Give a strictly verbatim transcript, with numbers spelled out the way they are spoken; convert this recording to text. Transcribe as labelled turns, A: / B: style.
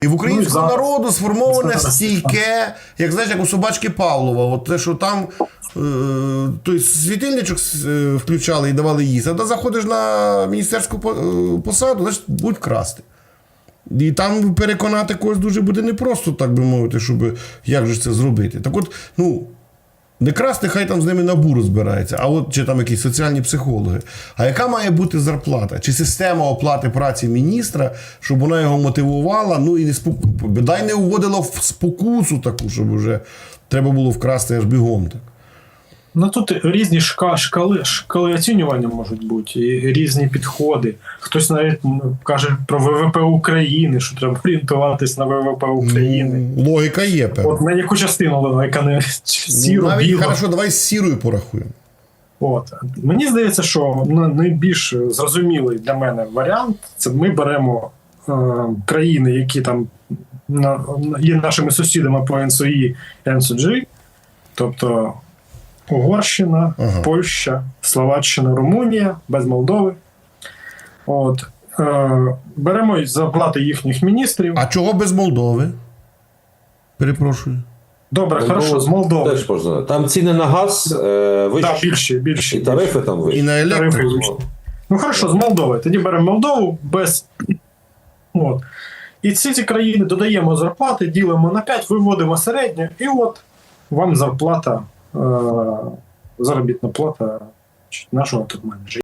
A: І в українського
B: ну, і
A: народу сформоване
B: зараз.
A: стійке, як знаєш, як у собачки Павлова. От те, що там е, той світильничок е, включали і давали їсти. А ти заходиш на міністерську посаду, значить будуть красти. І там переконати когось дуже буде непросто, так би мовити, щоб як же це зробити. Так от, ну, не красти, хай там з ними НАБУ розбирається, а от чи там якісь соціальні психологи. А яка має бути зарплата? Чи система оплати праці міністра, щоб вона його мотивувала, ну і не споку... дай не вводила в спокусу таку, щоб вже треба було вкрасти аж бігом так.
B: Ну тут різні шка, шкали, шкали оцінювання можуть бути, і різні підходи. Хтось навіть каже про ВВП України, що треба орієнтуватись на ВВП України.
A: Ну, логіка є, певно.
B: От на яку частину, яка не сіру,
A: навіть,
B: білу.
A: хорошо, давай з сірою порахуємо.
B: От. Мені здається, що найбільш зрозумілий для мене варіант – це ми беремо е, країни, які там на, є нашими сусідами по ен ес о і, ен ес о джі, тобто Угорщина, ага. Польща, Словаччина, Румунія, без Молдови. От. Е, беремо зарплати їхніх міністрів.
A: А чого без Молдови? Перепрошую.
B: Добре,
C: Молдова,
B: хорошо, з Молдови.
C: Теж можна. Там ціни на газ е, вищі.
B: Так, більші, більші.
C: І тарифи там вищі.
A: І на електрику.
B: Ну, хорошо, з Молдови. Тоді беремо Молдову без... От. І ці ці країни додаємо зарплати, ділимо на п'ять, виводимо середнє, і от вам зарплата, е- заробітна плата нашого топ-менеджера.